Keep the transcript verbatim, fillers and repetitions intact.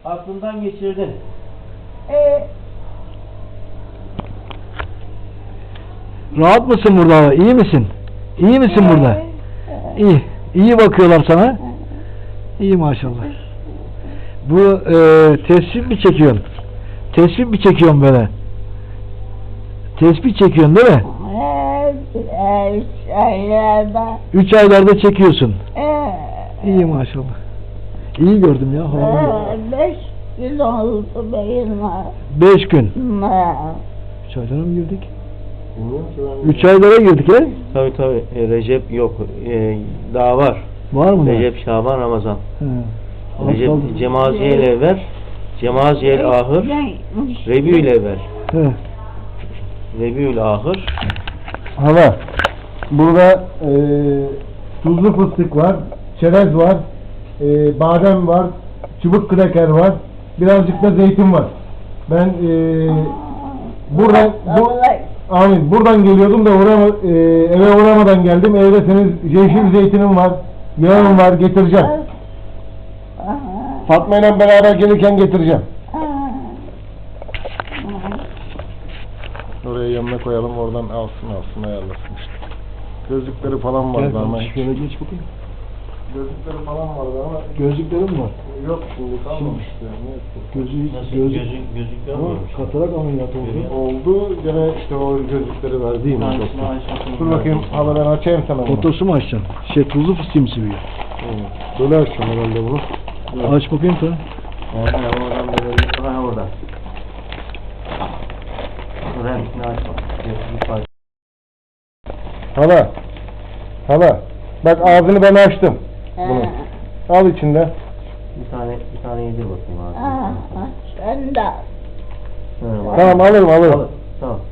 aklından geçirdin. Ee, Rahat mısın burada? İyi misin? İyi misin burada? İyi. İyi bakıyorlar sana. İyi maşallah. Bu e, tesbih mi çekiyorsun? Tesbih mi çekiyorsun böyle? Tesbih çekiyorsun değil mi? Üç aylarda. Üç aylarda çekiyorsun. Ee, İyi maşallah. İyi gördüm ya. ee, beş gün oldu benim. Beş gün. Üç aylara mı girdik? Üç aylara girdik he? Tabii tabii. E, Recep yok. E, daha var. Var mı? Recep, Şaban, Ramazan. He. Recep, Kaldı. Cemaziyel evvel, Cemaziyel ahır, Rebiül evvel. He. Rebiül ahır. Hala, burada e, tuzlu fıstık var, çerez var, e, badem var, çubuk kraker var, birazcık da zeytin var. Ben e, buradan bu, amin, buradan geliyordum da uğrama, e, eve uğramadan geldim. Evde senin yeşil zeytinin var, yağın var, getireceğim. Fatma ile beraber gelirken getireceğim. Oraya yanına koyalım, oradan alsın alsın ayarlasın işte. Gözlükleri falan vardı Gel ama. kardeşim, şöyle geç bakayım. Gözlükleri falan vardı ama. Gözlüklerim var. Yok şimdi kalmamıştı. Gözü, Nasıl? gözü, Gözük, gözük ama görmüyormuş. katarak ameliyatı oldu. Oldu. Gene işte o gözlükleri verdi mi Ay, doktor? ay, ay, Dur ay. bakayım, hala ben açayım sana bunu. Fotosu mu açacaksın? Şey, tuzlu fıstığı mı seviyor? Evet. Böyle açacağım herhalde bunu. Aç bakayım sen. Oradan, oradan böyle, ha oradan. Renkini açma. Bir parça. Hala. Hala. Bak ağzını ben açtım. Bunu. Al içinde. Bir tane, bir tane yedir bakayım abi. Sen de. Ha, Tamam alırım alırım. Alır, tamam.